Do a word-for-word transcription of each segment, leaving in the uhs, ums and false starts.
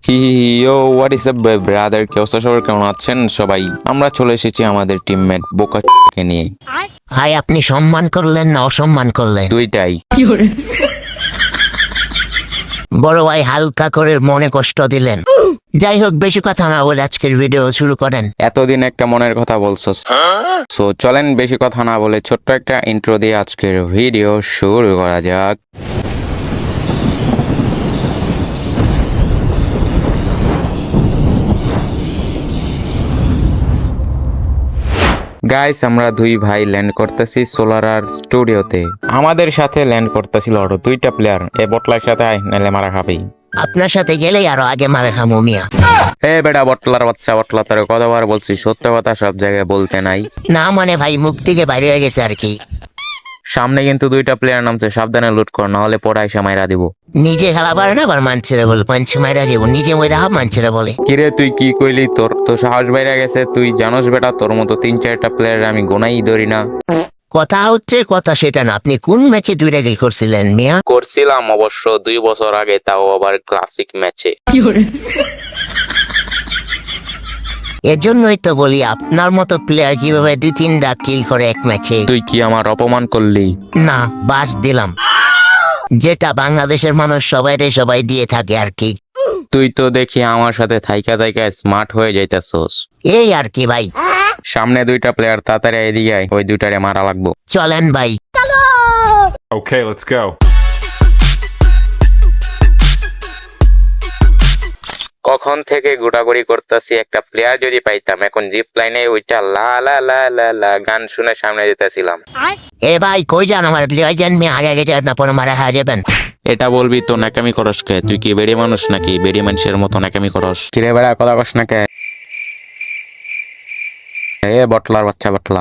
হি হি হি oh what is up brother, কে অবস্থা সবার, কেমন আছেন সবাই? আমরা চলে এসেছি আমাদের টিমমেট বোকা কে নিয়ে। ভাই আপনি সম্মান করলেন না অসম্মান করলেন? দুইটাই। বড় ভাই হালকা করে মনে কষ্ট দিলেন। যাই হোক, বেশি কথা না বলে আজকের ভিডিও শুরু করেন। এতদিন একটা মনের কথা বলছস, সো চলেন বেশি কথা না বলে ছোট্ট একটা ইন্ট্রো দিয়ে আজকের ভিডিও শুরু করা যাক। গাইস, আমরা দুই ভাই ল্যান্ড করতেছি সোলারার স্টুডিওতে। আমাদের সাথে ল্যান্ড করতেছিল আরো দুইটা প্লেয়ার। এ বটলার সাথে আয়, নাহলে মারা খাবেই। আপনার সাথে গেলেই আরো আগে মারে খামু মিয়া। এ বেটা বটলার বাচ্চা, বটলা তোর কতবার বলছি সত্য কথা সব জায়গায় বলতে নাই। না মানে ভাই, মুখ থেকে বাইরে হয়ে গেছে আর কি। সামনে কিন্তু দুইটা প্লেয়ার নামছে, সাবধানে লুট কর, না হলে পড়াই মাইরা দিব। নিজে খেলা পারে না, আবার মানছেরে বল পাঞ্চ মাইরা দিব। নিজে মইরা হাব মানছেরে বলে। কিরে তুই কি কইলি? তোর তো সাহস বাইরে গেছে। তুই জানোস বেটা, তোর মতো তিন চারটা প্লেয়ার আমি গোনাই ধরি না। কথা হচ্ছে কথা সেটা না, আপনি কোন ম্যাচে দুইটা গিল করছিলেন মিয়া? করছিলাম অবশ্য দুই বছর আগে, তাও আবার ক্লাসিক ম্যাচে। এজন্যই তো বলি, আপনার মতো প্লেয়ার কিভাবে দুই তিনটা কিল করে এক ম্যাচে? তুই কি আমার অপমান করলি? না, বাস দিলাম, যেটা বাংলাদেশের মানুষ সবাই রে সবাই দিয়ে থাকে আর কি। তুই তো দেখি আমার সাথে থাইকা থাইকা স্মার্ট হয়ে যাইতাছস। এই আর কি ভাই। সামনে দুইটা প্লেয়ার, তাড়াতাড়ি এদিকে আয়, ওই দুইটারে মারা লাগবো। চলেন ভাই। Okay, let's go. কখন থেকে ঘোরাঘুরি করতেছি, একটা প্লেয়ার যদি পাইতাম। এখন জিপ লাইনে ওইটা লা লা লা লা লা গান শুনে সামনে যেতেছিলাম। এ ভাই কই যান? আমার লিয়ে যান মেয়ে, আগে আগে যান না, পরে মারা হয়ে যাবেন। এটা বলবি তো নাকামি করস কে? তুই কি বেড়ি মানুষ নাকি? বেড়ি মানুষের মতো নাকামি করস? কিরে বেড়া, কথা কস না কে? এ বটলার বাচ্চা বটলা,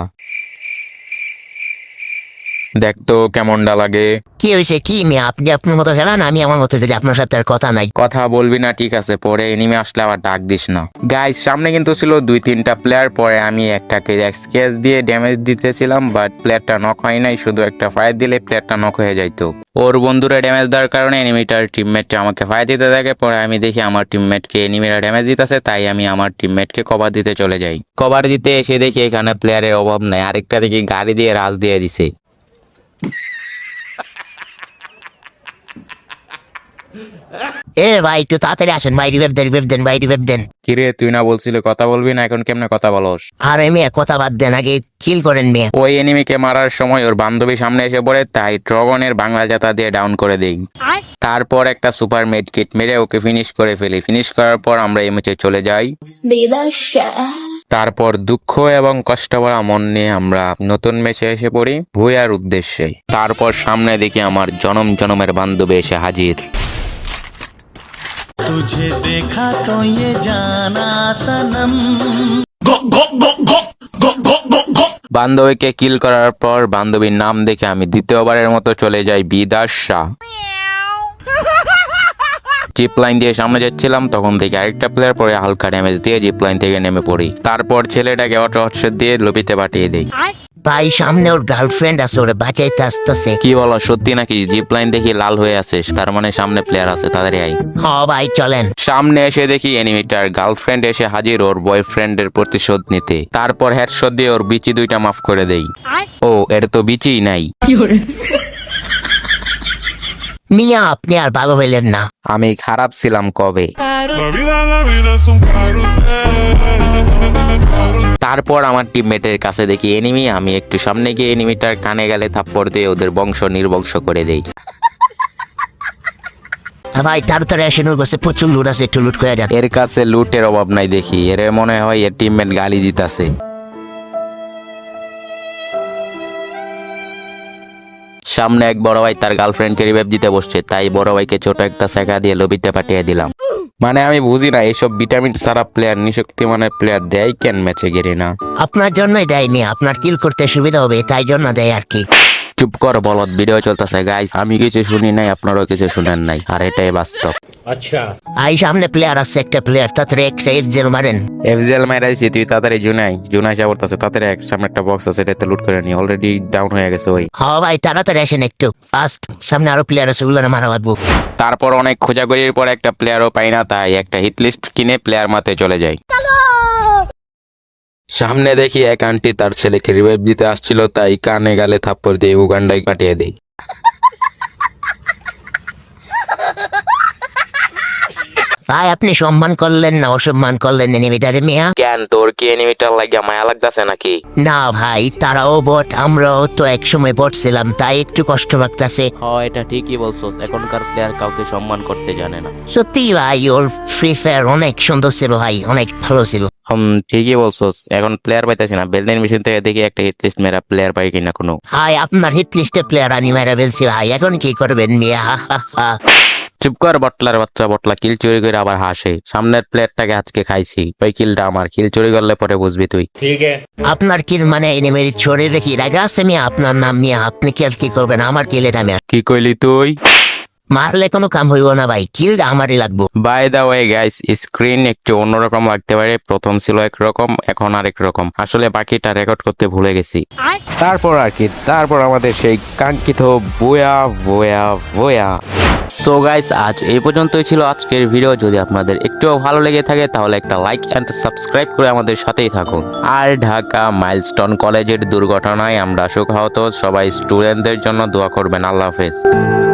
দেখ তো কেমনটা লাগে। কি হয়েছে কি মেয়ে? আপনি আপনার মতো খেলান, আমি আমার মতো খেলি, আপনার সাথে আর কথা নাই। কথা বলবি না ঠিক আছে, পরে এনিমে আসলে আবার ডাক দিস না। গাইস, সামনে কিন্তু ছিল দুই তিনটা প্লেয়ার, পরে আমি একটাকে স্কেচ দিয়ে ড্যামেজ দিতেছিলাম, বাট প্লেয়ারটা নক হয় নাই। শুধু একটা ফায়ার দিলে প্লেয়ারটা নক হয়ে যাইতো। ওর বন্ধুরা ড্যামেজ দেওয়ার কারণে এনিমিটার টিমমেটটা আমাকে ফায়ার দিতে থাকে। পরে আমি দেখি আমার টিমমেটকে এনিমিরা ড্যামেজ দিতেছে, তাই আমি আমার টিমমেটকে কভার দিতে চলে যাই। কভার দিতে এসে দেখি এখানে প্লেয়ারের অভাব নাই, আরেকটা দেখি গাড়ি দিয়ে রাজ দিয়ে দিছে। এ ভাই একটু তাড়াতাড়ি আসেন ভাই, রিভেভ দেন রিভেভ দেন ভাই, রিভেভ দেন। কিরে তুই না বলছিলে কথা বলবি না, এখন কেমনে কথা বলস? আর মেয়ে কথা বাদ দেন, আগে কিল করেন মেয়ে। ওই এনিমিকে মারার সময় ওর বান্ধবী সামনে এসে পড়ে, তাই ড্রাগনের বাংলা জাতা দিয়ে ডাউন করে দেই। তারপর একটা সুপার মেড কিট মেরে ওকে ফিনিশ করে ফেলি। ফিনিশ করার পর আমরা এই ম্যাচে চলে যাই। তারপর দুঃখ এবং কষ্ট ভরা মন নিয়ে আমরা নতুন ম্যাচে এসে পড়ি ভুয়ার উদ্দেশ্যে। তারপর সামনে দেখি আমার জনম জনমের বান্ধবী এসে হাজির। तुझे देखा तो ये जाना सनम। বান্ধবীকে কিল করার পর বান্ধবীর নাম দেখে আমি দ্বিতীয়বারের মতো চলে যাই বিদাস শাহ। জিপ লাইন দিয়ে সামনে যাচ্ছিলাম, তখন থেকে আরেকটা প্লেয়ার পরে হালকা ড্যামেজ দিয়ে জিপ লাইন থেকে নেমে পড়ি। তারপর ছেলেটাকে অটো হটসেট দিয়ে লবিতে পাঠিয়ে দেই। ভাই সামনে ওর গার্লফ্রেন্ড আছে, ওরে বাঁচাইতে আসতেছে। কি বলো, সত্যি নাকি? জিপ লাইন দেখি লাল হয়ে আছে, তার মানে সামনে প্লেয়ার আছে, তাড়াতাড়ি আই। হ ভাই চলেন। সামনে এসে দেখি এনিমিটার গার্লফ্রেন্ড এসে হাজির ওর বয়ফ্রেন্ডের প্রতিশোধ নিতে। তারপর হেডশট দিয়ে ওর বিচি দুইটা মাফ করে দেই। ও, এটা তো বিচিই নাই। মিয়া আপনি আর ভালো হইলেন না। আমি খারাপ ছিলাম কবে? তারপর আমার টিমমেটের কাছে দেখি এনিমি। আমি একটু সামনে গিয়ে এনিমিটার কানে গেলে থাপ্পড় দিয়ে ওদের বংশ নির্বংশ করে দেই। ভাই তাড়াতাড়ি এসে নূর কাছে প্রচুর লুট আছে, একটু লুট করে যান। এর কাছে লুটের অভাব নাই দেখি, এর মনে হয় এর টিমমেট গালি দিতাছে। সামনে এক বড় ভাই তার গার্লফ্রেন্ডকে রিভাইভ দিতে বসছে, তাই বড় ভাইকে ছোট একটা শেখা দিয়ে লবিতে পাঠিয়ে দিলাম। মানে আমি বুঝি না এইসব ভিটামিন সারা প্লেয়ার নিশক্তি মানে প্লেয়ার দেয় কেন ম্যাচে গেরি না? আপনার জন্যই দেয়নি, আপনার কিল করতে সুবিধা হবে তাই জন্য দেয় আর কি। চুপ কর বলদ, ভিডিও চলতেছে গাইস। আমি কিছু শুনি নাই, আপনারাও কিছু শুনেন নাই, আর এটাই বাস্তব। আই সামনে প্লেয়ার আছে, একটা প্লেয়ার তাড়াতাড়ি একটা জেল মারেন। এফজেল মাইরাইছি, তুই তাড়াতাড়ি জুনাই জুনাই যা করতেছে তাড়াতাড়ি এক সামনে একটা বক্স আছে, এটাতে লুট করে নি। অলরেডি ডাউন হয়ে গেছে ওই। হ ভাই তাড়াতাড়ি আসেন একটু ফাস্ট, সামনে আরো প্লেয়ার আছে, ওগুলো মারা লাগবো। তারপর অনেক খোঁজাখুঁজির পর একটা প্লেয়ারও পাই না, তাই একটা হিট লিস্ট কিনে প্লেয়ার মাতে চলে যাই। সামনে দেখি এক আন্টি তার ছেলেকে রিভাইভ দিতে আসছিল, তাই কানে গালে থাপ্পড় দিয়ে উগান্ডায় কাটিয়ে দেই। ভাই আপনি সম্মান করলেন না অসম্মান করলেন এনিমিটারে মিয়া? কেন, তোর কি এনিমিটার লাগিয়া মায়া লাগতেছে নাকি? না ভাই তারাও বট, আমরাও তো একসময় বট ছিলাম, তাই একটু কষ্ট লাগতেছে। হ্যাঁ এটা ঠিকই বলছো, এখনকার প্লেয়ার কাউকে সম্মান করতে জানে না। সত্যি ভাই ওর ফ্রি ফায়ার অনেক সুন্দর ছিল ভাই, অনেক ভালো ছিল। হুম ঠিকই বলছো, এখন প্লেয়ার পাইতেছি না। বেলদিন মেশিন থেকে দেখি একটা হিট লিস্ট মেরা প্লেয়ার পাই কিনা কোনো। ভাই আপনার হিট লিস্টে প্লেয়ার আমি মেরা ফেলছি ভাই, এখন কি করবেন মিয়া? হা, হা, হা। চুপ কর বটলার বাচ্চা, বটলা কিল চুরি করে আবার হাসে। সামনের প্লেয়ারটাকে আজকে খাইছি, ওই কিলটা আমার। কিল চুরি করলে পরে বুঝবি তুই। আপনার কিল মানে এনিমির শরীরে কি রাগা আছে মিয়া? আপনার নাম মিয়া, আপনি কি আর কি করবেন? আমার কিল এটা মিয়া, কি কইলি তুই? মারলে কোনো কাম হইব না ভাই, কিলটা আমারই লাগবো। By the way guys, screen একটু অন্যরকম লাগতে পারে। প্রথম ছিল একরকম, এখন আরেক রকম। আসলে বাকিটা রেকর্ড করতে ভুলে গেছি। তারপর আর কি, তারপর আমাদের সেই কাঙ্ক্ষিত বয়া বয়া বয়া। সো গাইস, আজ এই পর্যন্তই ছিল আজকের ভিডিও। যদি আপনাদের একটুও ভালো লেগে থাকে তাহলে একটা লাইক এন্ড সাবস্ক্রাইব করে আমাদের সাথেই থাকুন। আর ঢাকা মাইলস্টোন কলেজের দুর্ঘটনায় আমরা শোকাহত সবাই স্টুডেন্টদের জন্য দোয়া করবেন। আল্লাহ হাফেজ।